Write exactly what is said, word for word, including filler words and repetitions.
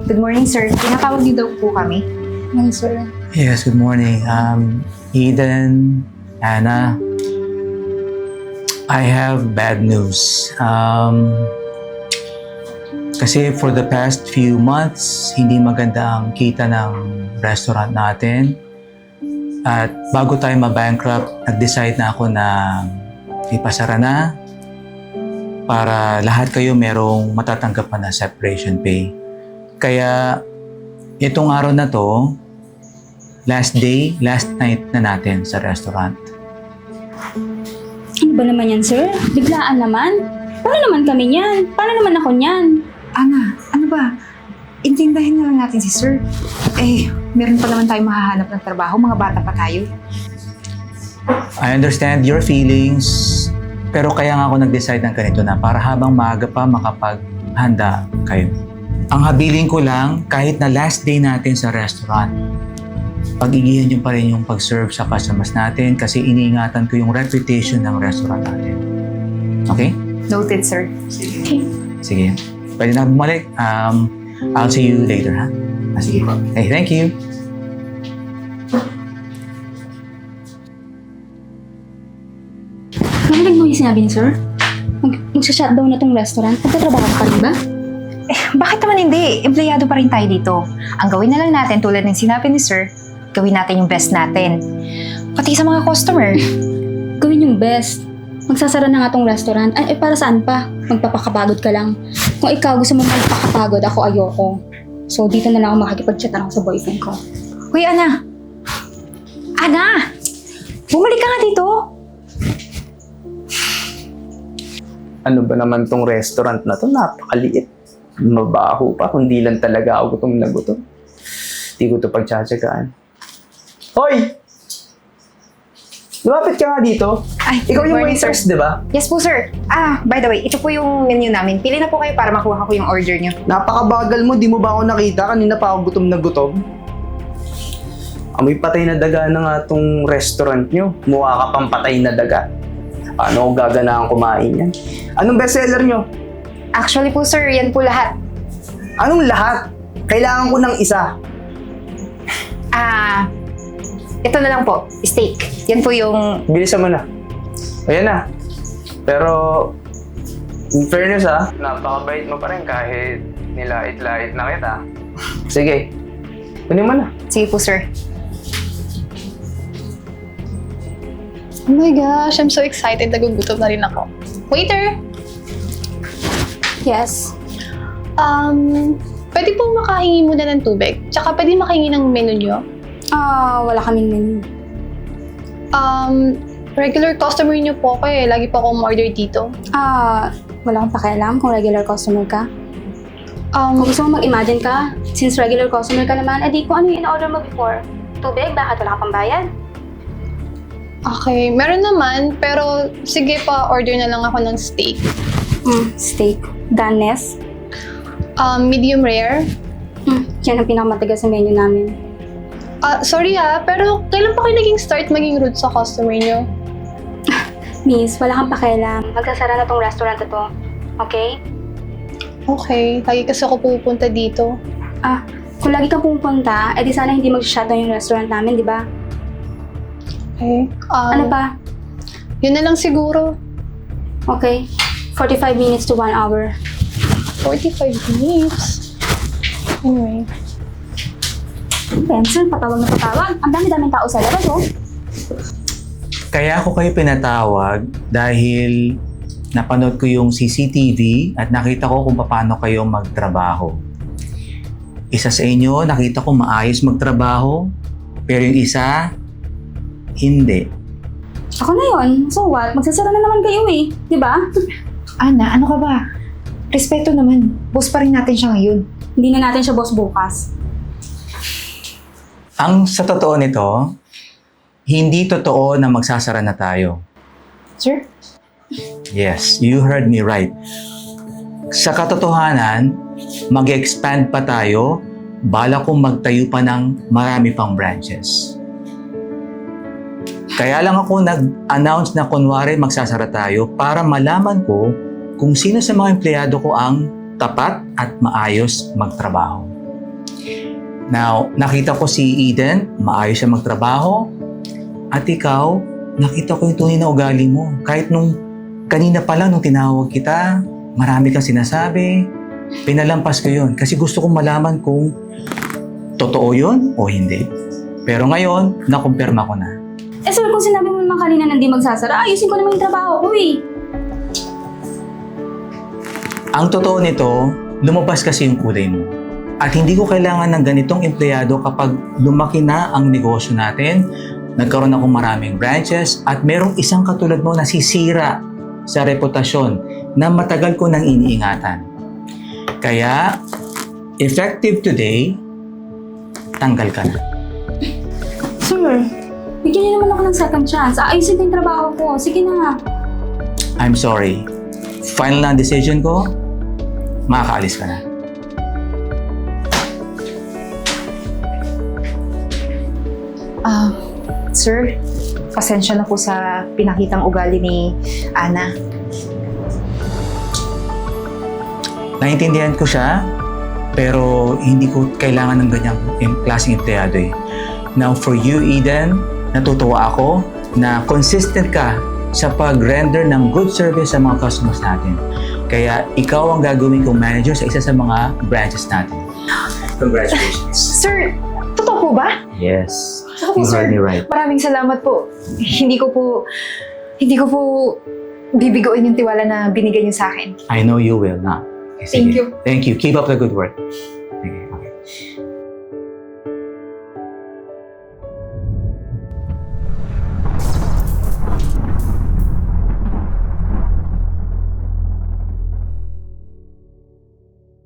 Good morning, sir. Tinatawag niyo daw po kami. Morning, sir. Yes, good morning. Um, Eden, Anna, I have bad news. Um, kasi for the past few months, hindi maganda ang kita ng restaurant natin. At bago tayo ma-bankrupt, nag-decide na ako na ipasara na para lahat kayo merong matatanggap na separation pay. Kaya itong araw na to, last day, last night na natin sa restaurant. Ano ba naman yan, sir? Biglaan naman. Paano naman kami niyan? Paano naman ako niyan? Ana, ano ba? Intindahin na lang natin si sir. Eh, meron pa naman tayong mahahanap ng trabaho. Mga bata pa tayo. I understand your feelings, pero kaya nga ako nag-decide ng ganito na para habang maaga pa makapaghanda kayo. Ang habiling ko lang, kahit na last day natin sa restaurant, pag-igihan nyo pa rin yung pag-serve sa customers natin kasi iniingatan ko yung reputation ng restaurant natin. Okay? Noted, sir. Okay. Sige. Pwede na bumalik. Um, I'll see you later, ha? Ah, sige. Hey, thank you. Narinig mo yung sinabi ni sir? Mag Magsha-shutdown na tong restaurant. Magtatrabaho ka rin ba? Eh, bakit naman hindi? Empleyado pa rin tayo dito. Ang gawin na lang natin tulad ng sinabi ni sir, gawin natin yung best natin. Pati sa mga customer. Gawin yung best. Magsasara na nga tong restaurant. Ay, eh, para saan pa? Magpapakapagod ka lang. Kung ikaw gusto mo magpakapagod, ako ayoko. So, dito na lang ako makikipag-chat na lang sa boyfriend ko. Hoy, Ana! Ana! Bumalik ka nga dito! Ano ba naman tong restaurant na to? Napakaliit. Mabaho pa, kundi lang talaga ako gutom na gutom. Hindi ko to pagtsatsagaan. Hoy! Lumapit ka nga dito. Ay, Ikaw good yung morning, waitress, sir. di ba? Yes po, sir. Ah, by the way, ito po yung menu namin. Pili na po kayo para makuha ko yung order nyo. Napakabagal mo, di mo ba ako nakita? Kanina pa ako gutom na gutom. Amoy patay na daga na nga tong restaurant nyo. Mukha ka pang patay na daga. Paano ako gaganahan kumain yan? Anong bestseller nyo? Actually po, sir, yan po lahat. Anong lahat? Kailangan ko ng isa. Ah, ito na lang po, steak. Yan po yung... Bilisan mo na. Ayan na. Pero, in fairness ha, napakabait mo pa rin kahit nilait-lait na kita. Sige, kunin mo na. Sige po, sir. Oh my gosh, I'm so excited. Nagugutom na rin ako. Waiter! Yes. Um, pwede pong makahingi muna ng tubig. Tsaka pwede makahingi ng menu nyo. Ah, wala kaming menu. Um, regular customer nyo po ako eh. Lagi po akong order dito. Ah, wala akong pakialam kung regular customer ka. Kung Um, gusto mo mag-imagine ka, since regular customer ka naman, edi kung ano yung in-order mo before. Tubig, bakit wala ka pang bayad? okay, meron naman. Pero sige pa, order na lang ako ng steak. Hmm, steak. Danes. Um, medium rare. Hmm, yan ang pinakamatagal sa menu namin. Ah, sorry ha, pero kailan pa kayo naging start maging rude sa customer nyo? Miss, wala kang pakialam. Magsasara na tong restaurant na to. Okay? Okay, lagi kasi ako pupunta dito. Ah, kung lagi kang pupunta, edi sana hindi mag-shutdown yung restaurant namin, di ba? Okay. Um, Ano pa? Yun na lang siguro. Okay. forty-five minutes to one hour. forty-five minutes. Anyway. Benson, patawag na patawag. Ang dami-daming tao sa labas, oh. Kaya ako kayo pinatawag dahil napanood ko yung C C T V at nakita ko kung paano kayo magtrabaho. Isa sa inyo, nakita ko maayos magtrabaho, pero yung isa, hindi. Ako na yun. So what? Magsasara na naman kayo eh. Di ba? Ana, ano ka ba? Respeto naman. Boss pa rin natin siya ngayon. Hindi na natin siya boss bukas. Ang sa totoo nito, hindi totoo na magsasara na tayo. Sir? Yes, you heard me right. Sa katotohanan, mag-expand pa tayo, bala kong magtayo pa ng marami pang branches. Kaya lang ako nag-announce na kunwari magsasara tayo para malaman ko kung sino sa mga empleyado ko ang tapat at maayos magtrabaho. Now, nakita ko si Eden, maayos siya magtrabaho. At ikaw, nakita ko yung tunay na ugali mo. Kahit nung kanina pa lang nung tinawag kita, marami kang sinasabi. Pinalampas ko yun kasi gusto kong malaman kung totoo yun o hindi. Pero ngayon, nakumpirma ko na. Eh sir, kung sinabi mo naman kanina na hindi magsasara, ayusin ko naman yung trabaho ko eh. Ang totoo nito, lumabas kasi yung kulay mo. At hindi ko kailangan ng ganitong empleyado kapag lumaki na ang negosyo natin, nagkaroon akong maraming branches, at merong isang katulad mo na sisira sa reputasyon na matagal ko nang iniingatan. Kaya, effective today, tanggal ka na. Sir, bigyan niyo naman ako ng second chance. Ayusin ko yung trabaho ko. Sige na nga. I'm sorry. Final na ang decision ko, makakaalis ka na. Ah, sir, pasensya na po sa pinakitang ugali ni Ana. Naintindihan ko siya, pero hindi ko kailangan ng ganyang em- klaseng empleyado eh. Now for you, Eden, natutuwa ako na consistent ka sa pag-render ng good service sa mga customers natin. Kaya ikaw ang gagawin kong manager sa isa sa mga branches natin. Congratulations. Sir, totoo po ba? Yes. Ako po, You sir. heard me right. Maraming salamat po. Hindi ko po, hindi ko po bibigoin yung tiwala na binigay niyo sa akin. I know you will na. Thank you. Thank you. Keep up the good work. Sige.